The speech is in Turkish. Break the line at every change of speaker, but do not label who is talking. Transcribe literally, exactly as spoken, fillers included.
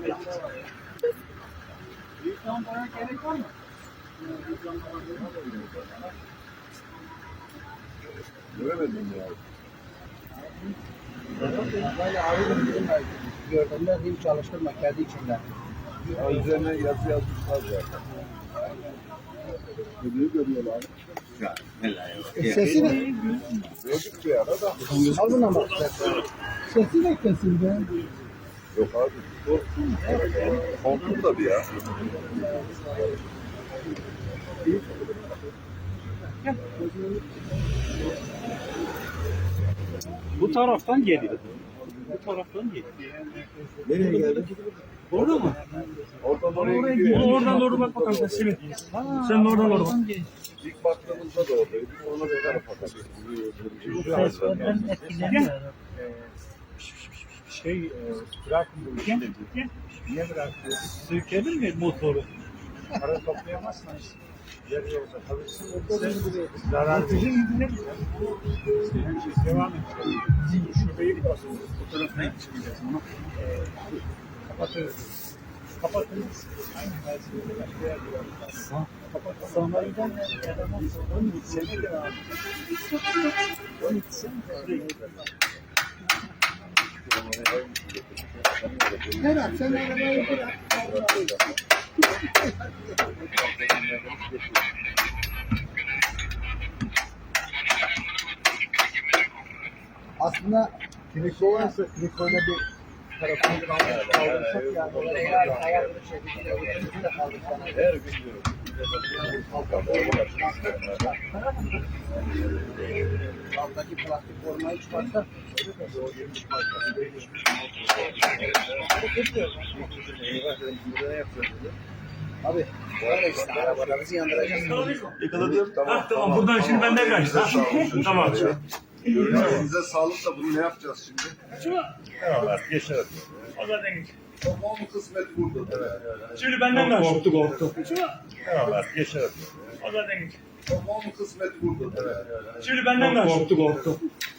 Büyük lampaya gerek var mı?
Göremedim ya.
Böyle arıyorum dedim ben. Gördüğümde hiç çalıştırma kendi içinden.
Ya üzerine yazı yazmışlar zaten. Ödüğü görüyorlar.
Ya, helal ya.
E, sesi de
Gördük bir ara da.
al buna bak. Sesi de kesildi.
Yok abi. O kontrol da bir ya.
Bu taraftan geliyor. Bu taraftan geliyor.
Nereye geldi?
Orada mı?
Oradan oraya gidiyor.
Onu oradan doğru bak bakalım sen Simit. Sen de oradan doğru bak.
İlk baktığımızda da oradaydı. Sonra bir tarafa
Seslerden etkileniyor.
Şey, e, bırakın bu işi dedi. Niye bırakıyor? Sürkelir mi motoru? Para toplayamazsın işte. Yarı yolda kalırsın. Zarar verir. Devam et. Şurayı basın. Bu tarafına çıkacağız. Onu e, kapatırız. Kapatırız. Aynen. Ben size başka yerde yapacağız. Kapatırız.
Sonradan yaramaz.
on iki sene devam edeceğiz. on iki sene
Berat sen arabayı bırak. Aslında triko varsa trikoyla bir tarafını kaldırsak yani eğer hayal bir şekilde öbürünü de kaldırsan.
Her gün diyorum.
Alttaki plastik formayı çıkarsa abi böyle işte arabalarımızı yandıracağız.
Yakaladım.
Ah tamam buradan şimdi benden kaçtı. Tamam.
Elinize sağlık da bunu ne yapacağız şimdi?
Tamam artık geçer. O zaten geç.
Tamam kısmet burada.
Şimdi benden kaçtı. Korktu korktu. Tamam artık geçer. O zaten geç.
Tamam kısmet burada.
Şimdi benden kaçtı. Korktu korktu.